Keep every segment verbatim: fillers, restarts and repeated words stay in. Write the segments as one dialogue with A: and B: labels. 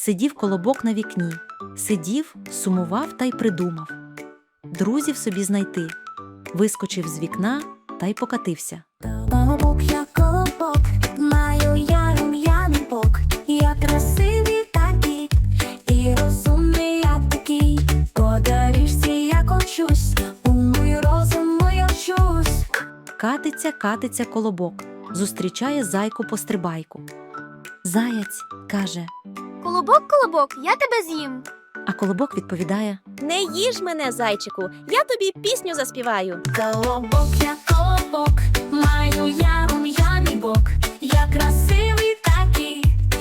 A: Сидів колобок на вікні, сидів, сумував та й придумав. Друзів собі знайти. Вискочив з вікна та й покатився.
B: Колобок, я колобок, маю я рум'яний бок. Я красивий такий, і розумний я такий. По доріжці я кочусь, у мій розум я вчусь.
A: Катиться, катиться колобок, зустрічає зайку-пострибайку. Заяць каже,
C: Колобок, колобок, я тебе з'їм.
A: а колобок відповідає:
D: Не їж мене, зайчику, я тобі пісню заспіваю.
B: Колобок, я колобок, маю я рум'яний бок. Я красивий такий,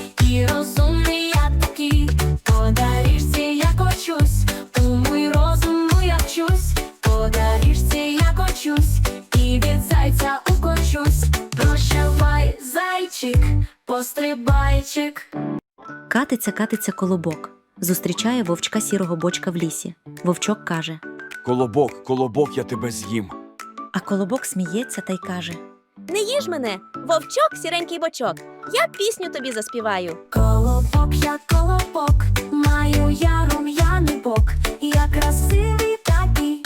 B: і розумний я такий. По доріжці я кочусь, у мій розум я вчусь. По доріжці я кочусь, і від зайця укочусь. Прощавай, зайчик, пострибайчик.
A: Катиться, катиться колобок, зустрічає вовчка сірого бочка в лісі. Вовчок каже,
E: Колобок, колобок, я тебе з'їм.
A: а колобок сміється та й каже:
D: Не їж мене, вовчок, сіренький бочок, я пісню тобі заспіваю.
B: Колобок, я колобок, маю я рум'яний бок. Я красивий такий,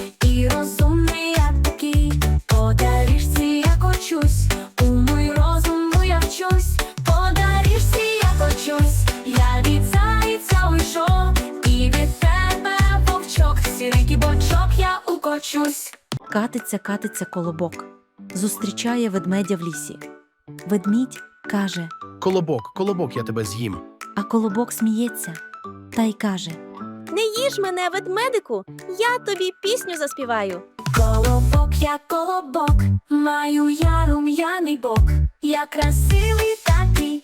B: і розумний я такий. По доріжці я кочусь, у мій розум я вчусь. По доріжці я кочусь, я від зайця уйшов, і від тебе, вовчок, сіренький бочок, я укочусь.
A: Катиться, катиться колобок, зустрічає ведмедя в лісі. Ведмідь каже,
F: Колобок, колобок, я тебе з'їм.
A: а колобок сміється та й каже:
D: Не їж мене, ведмедику, я тобі пісню заспіваю.
B: Колобок, я колобок, маю я рум'яний бок. Я красивий такий,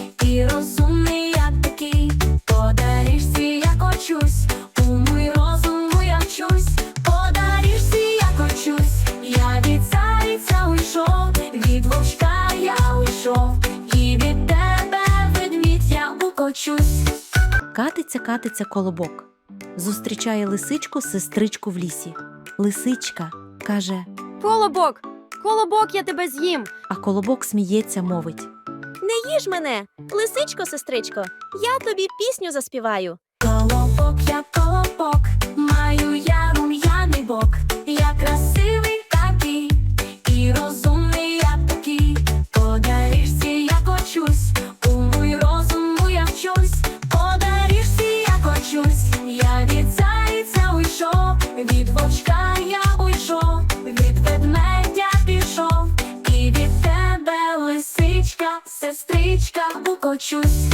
B: і розумний я такий. По доріжці я кочусь, у мій розум я вчусь. По доріжці я кочусь, я від зайця уйшов, від вовчка я уйшов, і від тебе, ведмідь, я укочусь.
A: Катиться, катиться колобок, зустрічає лисичку сестричку в лісі. Лисичка каже,
C: Колобок, колобок, я тебе з'їм.
A: а колобок сміється, мовить:
D: Не їж мене, лисичко, сестричко, я тобі пісню заспіваю.
B: Колобок, я колобок, маю я рум'яний бок. Я красивий такий, і розумний я такий. По доріжці я кочусь, у мій розум я вчусь. По доріжці я кочусь, я від зайця уйшов, від вовчка я уйшов, від ведмедя пішов, і від тебе, лисичка, сестричка, укочусь.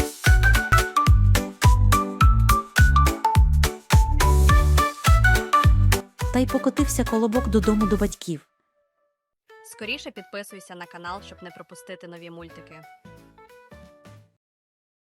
A: та й покотився колобок додому до батьків.
G: Скоріше підписуйся на канал, щоб не пропустити нові мультики.